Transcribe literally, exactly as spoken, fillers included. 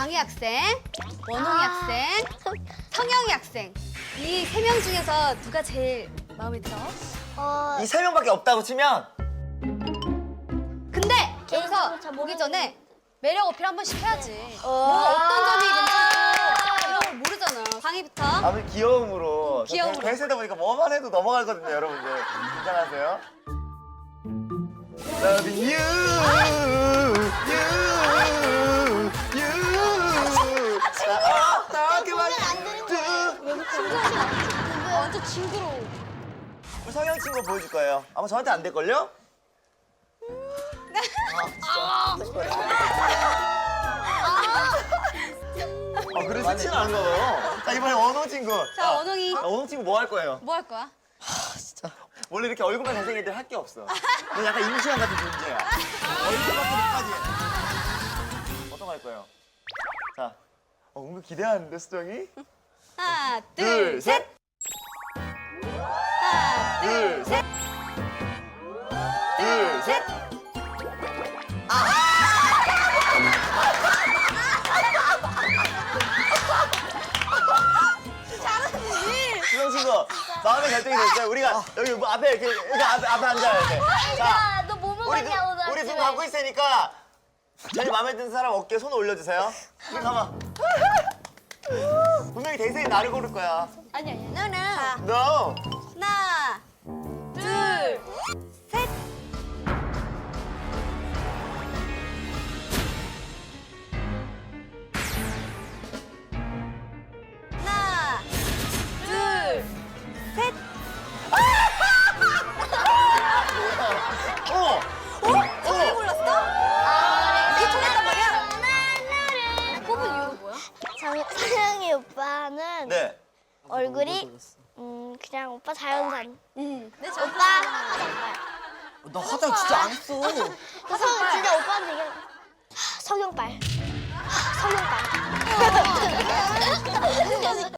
광희 학생, 원홍이 학생, 성영이 학생. 이 세 명 중에서 누가 제일 마음에 들어? 어, 이 세 명밖에 없다고 치면 근데 개인적으로 여기서 잘 보기 모르는- 전에 매력 어필 한 번씩 해야지. 어. 뭐가 어떤 점이 괜찮고 이런 걸 모르잖아. 광희부터. 아무리 귀여움으로 귀여움으로. 대세다 보니까 뭐만 해도 넘어가거든요, 여러분들. 긴장하세요. Loving you, you, you. 아, 나 그만. 완전 징그러워. 우리 성형 친구 보여줄 거예요. 아마 저한테 안 될걸요? 아, 아, 그래서 티는 안 가요. 자, 이번에 원호 친구. 자, 아, 원홍이. 아, 원호 친구 뭐 할 거예요? 뭐 할 거야? 원래 이렇게 얼굴만 잘생긴 애들 할 게 없어. 너 약간 임시완 같은 존재야. 얼굴밖에 못하지. 어떤 거 할 거예요? 자, 어, 은근 기대하는데, 수정이? 하나, 둘, 둘, 셋. 셋. 하나, 둘, 셋. 둘, 셋. 수정 친구, 마음의 결정이 됐어요. 우리가 여기 뭐 앞에 이렇게, 이렇게 앞에, 앞에 앉아야 돼. 자, 너 뭐 우리 두, 먹었냐 오늘 우리 아침에? 두 갖고 있으니까 제일 마음에 드는 사람 어깨에 손 올려주세요. 우리 가만. 분명히 대세인 나를 고를 거야. 아니, 아니, 너는. 자, No. 하나, 둘, 셋. 하나, 둘, 셋. 어. 어? 저기 골랐어? 아, 그게 통했단 말이야? 뽑은 이유가 뭐야? 정- 서영이 오빠는 네. 얼굴이 음 그냥 오빠 자연산. 응. 내 오빠 화장빨. 나 화장 진짜 안 했어. 성 진짜 오빠한테 얘기해. 성형빨. 성형빨.